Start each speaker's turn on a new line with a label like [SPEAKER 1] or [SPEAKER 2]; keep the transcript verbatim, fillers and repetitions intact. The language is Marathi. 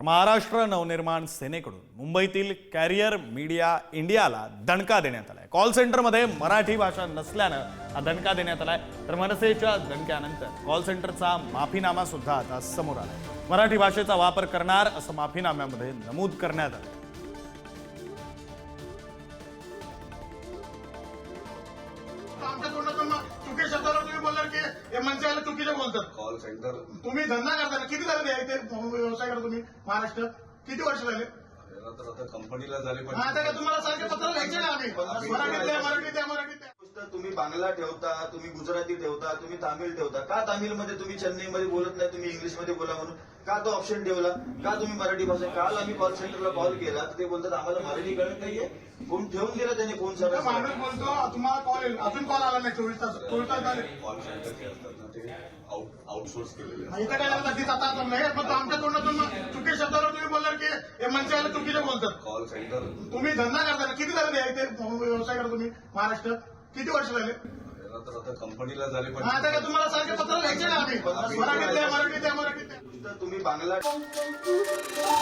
[SPEAKER 1] महाराष्ट्र नवनिर्माण सेनेकडून मुंबईतील कॅरियर मीडिया इंडियाला दणका देण्यात आलाय। कॉल सेंटरमध्ये मराठी भाषा नसल्यानं हा दणका देण्यात आलाय। तर मनसेच्या दणक्यानंतर कॉल सेंटरचा माफीनामा सुद्धा आता समोर आलाय। मराठी भाषेचा वापर करणार असं माफीनाम्यामध्ये नमूद करण्यात आलं।
[SPEAKER 2] चुकी शब्दाला तुम्ही बोलणार की हे मनसेवाले चुकीचे बोलतात। कॉल सेंटर तुम्ही धंदा करताना किती झाले इथे व्यवसाय करता तुम्ही महाराष्ट्र किती वर्ष झाले?
[SPEAKER 3] तर आता कंपनीला झाले पण
[SPEAKER 2] आता काय तुम्हाला सारखे पत्र लिहायचे ना आम्ही मराठीतल्या मराठीतल्या मराठीतल्या
[SPEAKER 3] तुम्ही बांगला ठेवता, तुम्ही गुजराती ठेवता, तुम्ही तामिळ ठेवता। का तामिळमध्ये तुम्ही चेन्नईमध्ये बोलत नाही, तुम्ही इंग्लिशमध्ये बोला म्हणून का तो ऑप्शन ठेवला? का तुम्ही मराठी भाषा? काल आम्ही कॉल सेंटरला कॉल केला ते बोलतात आम्हाला मराठी कळत नाहीये। फोन ठेवून दिला त्याने फोन सर
[SPEAKER 2] माणूस बोलतो तुम्हाला कॉल येईल, अजून कॉल आला नाही चोवीस तास चोवीस तास झाले।
[SPEAKER 3] कॉल सेंटर जे असतात ना ते आउटसोर्स केलेले असतात।
[SPEAKER 2] इथं काय लागतं तीस आता नाही मग आमच्या तोंडातून चुकी शब्दाला तुम्ही बोलणार की हे मनसेवाले चुकीचे बोलतात।
[SPEAKER 3] कॉल सेंटर
[SPEAKER 2] तुम्ही धंदा करताना किती झाले इथे व्यवसाय करता तुम्ही महाराष्ट्र किती वर्ष झाले?
[SPEAKER 3] तर आता कंपनीला झाले पण
[SPEAKER 2] आता काय तुम्हाला सारखे पत्र लिहायचे ना आम्ही मराठीतल्या मराठीतल्या मराठीतल्या
[SPEAKER 3] तुम्ही बांगला